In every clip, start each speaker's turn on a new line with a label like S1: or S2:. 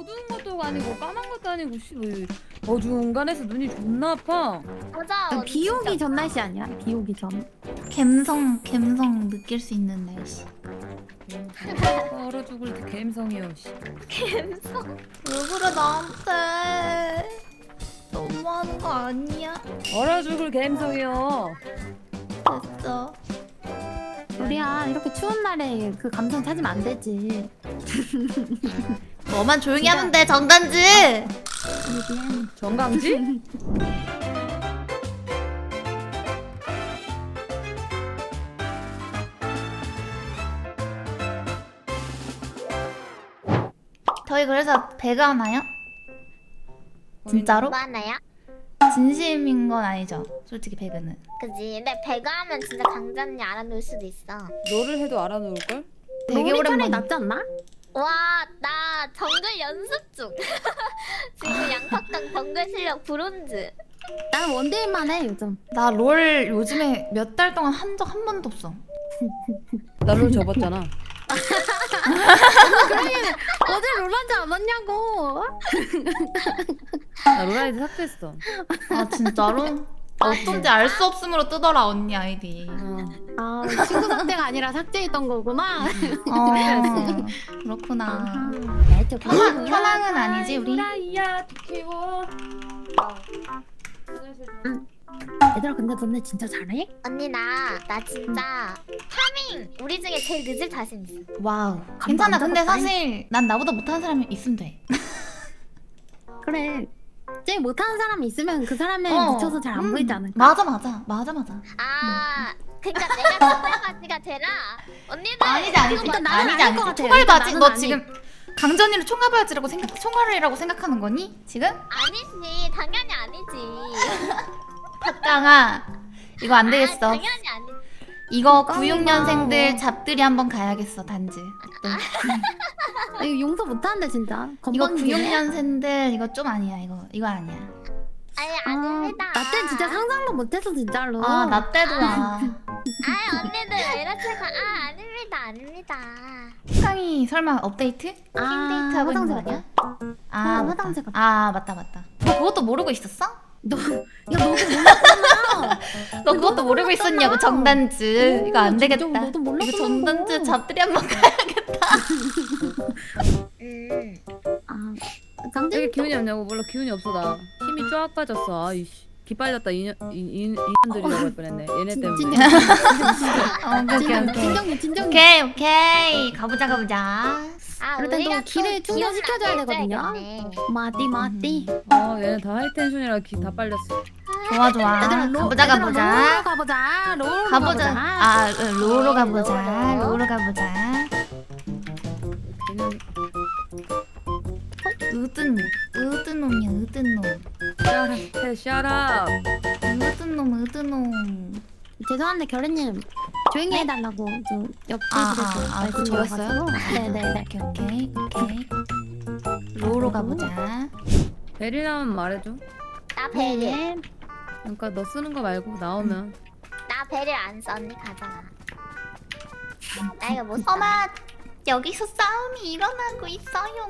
S1: 어두운 것도 아니고 까만 것도 아니고 왜 어중간해서 눈이 존나 아파.
S2: 맞아.
S3: 비 오기 전 날씨 아니야? 비 오기 전.
S4: 감성 느낄 수 있는 날씨.
S1: 얼어 죽을 때 갬성이요. 씨.
S2: 감성.
S4: 왜 그래 나한테? 너무하는 거 아니야?
S1: 얼어 죽을 갬성이요.
S4: 됐어.
S3: 우리야 이렇게 추운 날에 그 감성 찾으면 안 되지.
S4: 너만 조용히 하면 돼 정단지.
S3: 미안.
S1: 정강지?
S4: 저희 그래서 배가 하나요? 진짜로?
S2: 뭐 하나야?
S4: 진심인 건 아니죠? 솔직히 배그는.
S2: 그지. 근데 배가 하면 진짜 강자 언니 알아놓을 수도 있어.
S1: 너를 해도 알아놓을 걸?
S4: 되게
S3: 롤이 차라리
S4: 오랜만에.
S3: 낫지 않나?
S2: 와, 나 정글 연습 중. 지금 양팍강 정글 실력 브론즈.
S3: 나는 원딜만 해 요즘.
S4: 나 롤 요즘에 몇 달 동안 한 적 한 번도 없어.
S1: 나를 접었잖아.
S3: 어제 롤하지 않았냐고.
S1: 나 롤아이디 삭제했어.
S4: 아 진짜로? 어쩐지 알 수 없음으로 뜨더라 언니 아이디.
S1: 어.
S3: 아 친구 상태가 아니라 삭제했던 거구나.
S4: 그렇구나.
S3: 알죠.
S4: 현황은 아니지 우리?
S1: 라이야 키워.
S3: 얘들아 근데 너네 진짜 잘해?
S2: 언니 나 진짜 파밍 우리 중에 제일 늦을 자신 있어.
S4: 와우. 괜찮아. 근데 사실 난 나보다 못하는 사람이 있으면 돼.
S3: 그래. 제일 못하는 사람이 있으면 그 사람에
S4: 어.
S3: 미쳐서 잘 안 보이지 않을까?
S4: 맞아.
S2: 그러니까 내가 총알바지가 되라. 언니들.
S4: 아니지.
S3: 일단 나는
S4: 아니지.
S3: 아닐 것 같아.
S4: 총알바지?
S3: 일단
S4: 너
S3: 나는
S4: 지금 강전이를 총알바지라고 총알이라고 생각하는 거니? 지금?
S2: 아니지. 당연히 아니지.
S4: 박강아 이거 안 되겠어.
S2: 당연히 아니지.
S4: 이거 96년생들 잡들이 한번 가야겠어 단지.
S3: 아, 이거 용서 못하는데 진짜.
S4: 이거
S3: 건방지네.
S4: 96년생들 이거 좀 아니야. 이거 아니야.
S2: 아니
S3: 아,
S2: 아닙니다.
S3: 나 때 진짜 상상도 못했어 진짜로.
S4: 아 나 때도야.
S2: 아 언니들 왜 이러세요? 아닙니다.
S4: 상이 설마 업데이트? 킹데이트 하고 있는 거
S3: 화장실
S4: 아니야?
S3: 같아.
S4: 아 맞다.
S3: 화장실 같아.
S4: 아 맞다. 너 그것도 모르고 있었어?
S3: 너 이거 너도 몰랐잖아.
S4: 너 그것도 모르고 있었냐고 정단즈. 이거 안 되겠다.
S3: 너도 몰랐어.
S4: 이거 정단즈 잡들이 한번 가야겠다.
S3: 아,
S1: 왜
S3: 강진
S1: 이렇게 기운이 없냐고. 몰라 기운이 없어 나. 힘이 쫙 빠졌어. 아이씨. 기빨렸다 인간들이라고 할 뻔했네. 얘네 때문에.
S4: 오케이.
S3: 진정이.
S4: 오케이. 가보자.
S2: 아
S3: 그럴 땐또
S2: 우리가
S3: 기를
S2: 또
S3: 충전시켜줘야
S2: 기억나게
S3: 되거든요.
S2: 해줘야겠네.
S3: 마띠.
S1: 얘네 다 하이텐션이라 기 다 빨렸어.
S4: 좋아.
S3: 얘들아
S4: 가보자.
S3: 롤로 가보자. 롤로
S4: 가보자. 아 로로 가보자.
S1: 걔는
S4: 으든 놈이야.
S1: 샤라.
S4: 으든 놈.
S3: 죄송한데 결혜님 조용히 해달라고 좀
S4: 아, 그거
S3: 말씀드려가지고. 네네.
S4: 오케이. 로로 가보자.
S1: 베리 나오면 말해줘.
S2: 나 베릴.
S3: 네.
S1: 그러니까 너 쓰는 거 말고 나오면.
S2: 나 베릴 안 써. 언니 가잖아. 나 이거 못 써.
S4: 어마 여기서 싸움이 일어나고 있어요.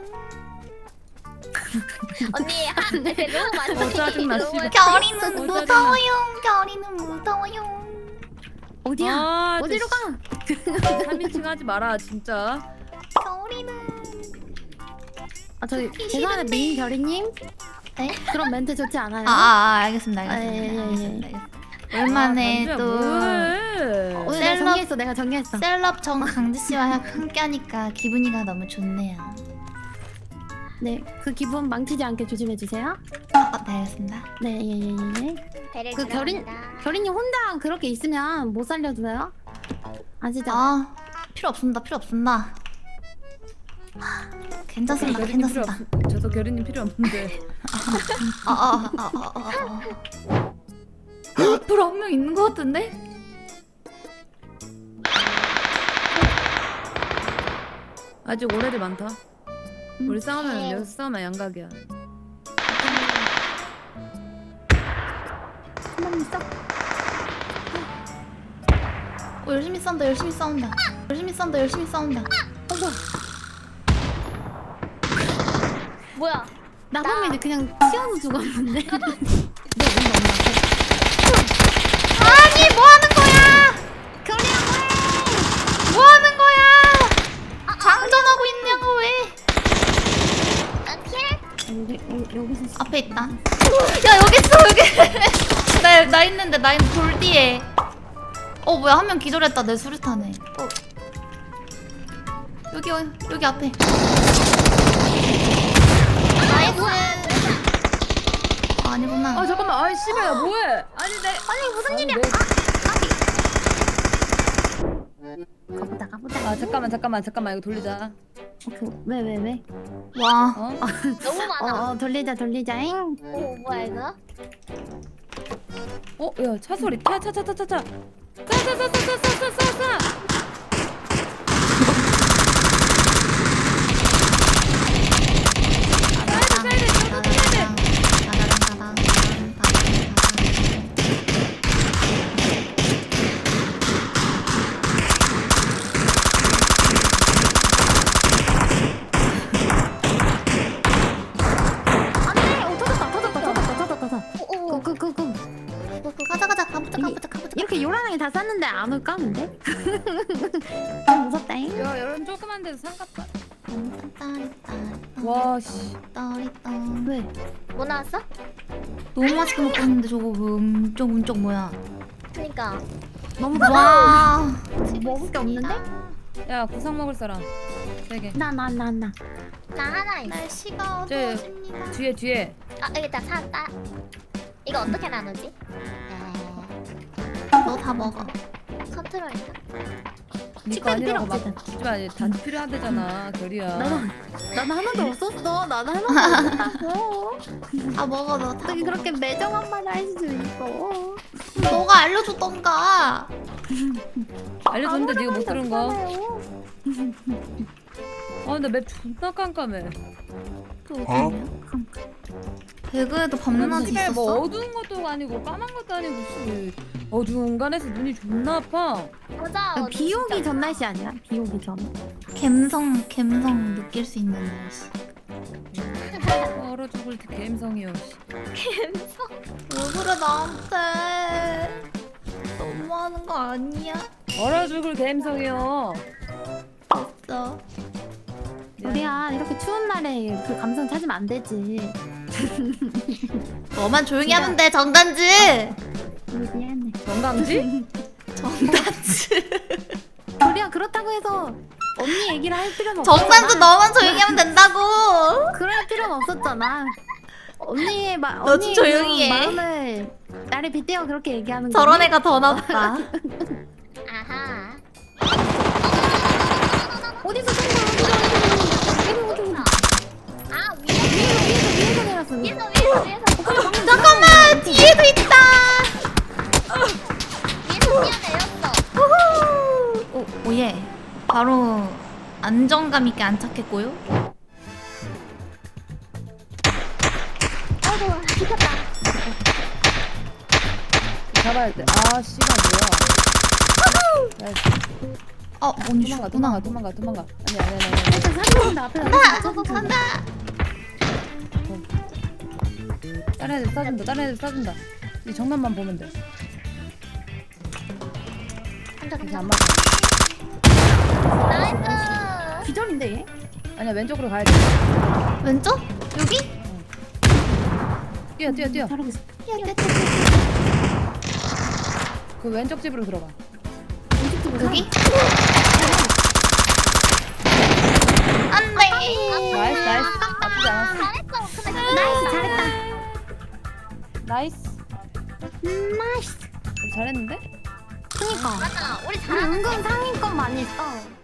S2: 언니 네, 너무 많이.
S1: 짜증나,
S2: 너무
S1: 씨발.
S4: 결이는
S1: 짜증나.
S4: 무서워요.
S3: 어디야?
S1: 아,
S3: 어디로 가?
S1: 3인칭 하지 마라 진짜.
S4: 결이는
S3: 아 저기 죄송한데 미인 결혜님.
S4: 네?
S3: 그런 멘트 좋지 않아요.
S4: 알겠습니다.
S3: 예.
S4: 오랜만에
S1: 아,
S4: 또
S1: 뭐해.
S3: 오늘 내가 정리했어.
S4: 셀럽 정강지 씨와 함께하니까 기분이가 너무 좋네요.
S3: 네, 그 기분 망치지 않게 조심해 주세요.
S4: 네, 알겠습니다.
S3: 네, 예.
S2: 베릴
S3: 그
S2: 들어갑니다.
S3: 결인님 혼자 그렇게 있으면 못 살려줘요. 아시죠?
S4: 필요 없습니다. 괜찮습니다.
S1: 저도 결이님 필요 없는데.
S4: 앞으로 한 명 있는 것 같은데?
S1: 아직 오래들 많다. 우리 싸우면 여기서 싸우면 양각이야.
S3: 한번 있어.
S4: 열심히 싸운다.
S3: 어머.
S2: 뭐야?
S3: 나범이는 그냥 튀어서 죽었는데. 너 뭔가
S4: 아니 뭐 하는 거야? 뭐 하는 거야? 장전하고 있냐고 왜?
S2: 나 킬?
S3: 여기서
S4: 앞에 있다. 야 여기 있어 여기. 나 있는데 나 있는 돌 뒤에. 뭐야 한 명 기절했다 내 수류탄에. 여기 앞에. 나이스. 아니구나.
S1: 아 잠깐만 아이 씨발 야 뭐해 아니 내
S3: 아니 무슨 일이야? 가보자.
S1: 아 잠깐만 이거 돌리자
S3: 왜?
S4: 와.
S1: 어?
S2: 너무 많아.
S3: 돌리자잉.
S2: 오 뭐야 이거?
S1: 야 차 소리 차
S3: 안돼. 터졌다.
S2: 오.
S4: 가자 가보자.
S3: 이렇게 요란하게 다 쌌는데 안 올까 근데? 좀 무섭다잉.
S1: 야 이런 조그만 데서 상갑다 와씨
S3: 왜?
S2: 뭐 나왔어?
S4: 너무 맛있게 먹고 있는데 저거 문쪽 뭐야?
S2: 그니까.
S3: 너무
S4: 와.
S3: 먹을 게 없는데?
S1: 야 구상 먹을 사람 3개
S3: 나.
S2: 나 하나 있어.
S4: 날씨가
S1: 저
S4: 어두워집니다.
S1: 뒤에
S2: 아 여기 다 찾았다. 이거 어떻게 나누지?
S4: 너 다 먹어.
S2: 컨트롤인가?
S1: 니거 아니라고 막
S3: 필요
S1: 하지마 단지 필요하대잖아 결이야
S3: 나는 하나도 없었어. 나는 하나도 없었다고.
S4: 다 먹어 너 다.
S3: 어떻게 그렇게 매정한 말을 할 수 있어?
S4: 너가 알려줬던가.
S1: 알려줬는데 네가 못 들은 거
S3: 없잖아요.
S1: 근데 맵 존나 깜깜해
S4: 또 어디냐? 배그에도 밤낮이
S1: 집에
S4: 있었어?
S1: 뭐 어두운 것도 아니고 까만 것도 아니고 씨. 어두운 공간에서 눈이 존나 아파
S2: 보자.
S3: 비 오기 전 날씨 아니야? 비 오기 전.
S4: 감성 느낄 수 있는 날씨.
S1: 얼어 죽을 때 감성이요
S2: 갬성.
S4: 왜 그래 나한테? 너무하는 거 아니야?
S1: 얼어 죽을 감성이요
S4: 진짜.
S3: 우리야 이렇게 추운 날에 그 감성 찾으면 안 되지.
S4: 너만 조용히 하면 돼 정단지.
S3: 미안해.
S1: 건강지?
S4: 정단지.
S3: 우리야 그렇다고 해서 언니 얘기를 할 필요는 없잖아.
S4: 정단지 너만 조용히 하면 된다고.
S3: 그럴 필요는 없었잖아. 언니의
S4: 너좀 조용히 해.
S3: 마음을 나를 빗대어 그렇게 얘기하는 거.
S4: 저런 애가 더 나빠.
S2: 아하.
S3: 어디서 쏜다? 어디?
S2: 아
S3: 위에서 내렸어.
S2: 위에서.
S4: 잠깐만 뒤에도 있다.
S2: 위에서 뛰어내렸어.
S4: 오예. 바로 안정감 있게 안착했고요.
S2: 아이고 미쳤다.
S1: 잡아야 돼아 씨발 뭐야 야,
S4: 언니 죽구나.
S1: 도망가 아니
S3: 일단 사진인데 앞에
S4: 간다.
S1: 다른 애들 쏴준다 이 정면만 보면 돼
S2: 한자
S1: 이게
S2: 괜찮아.
S1: 안 맞아
S2: 나이스.
S3: 기절인데 얘?
S1: 아니야 왼쪽으로 가야 돼
S4: 왼쪽? 여기?
S1: 뛰어
S3: 잘하고 있어.
S1: 그 왼쪽 집으로 들어가
S4: 여기? 안돼.
S1: 나이스 나쁘지 않았어
S2: 잘했어. 근데
S3: 나이스 잘했다.
S1: 나이스
S3: 나이스.
S1: 우리 잘했는데?
S3: 그니까.
S2: 맞아. 우리
S3: 우리
S2: 잘하는.
S3: 은근 상위권 많이 했어.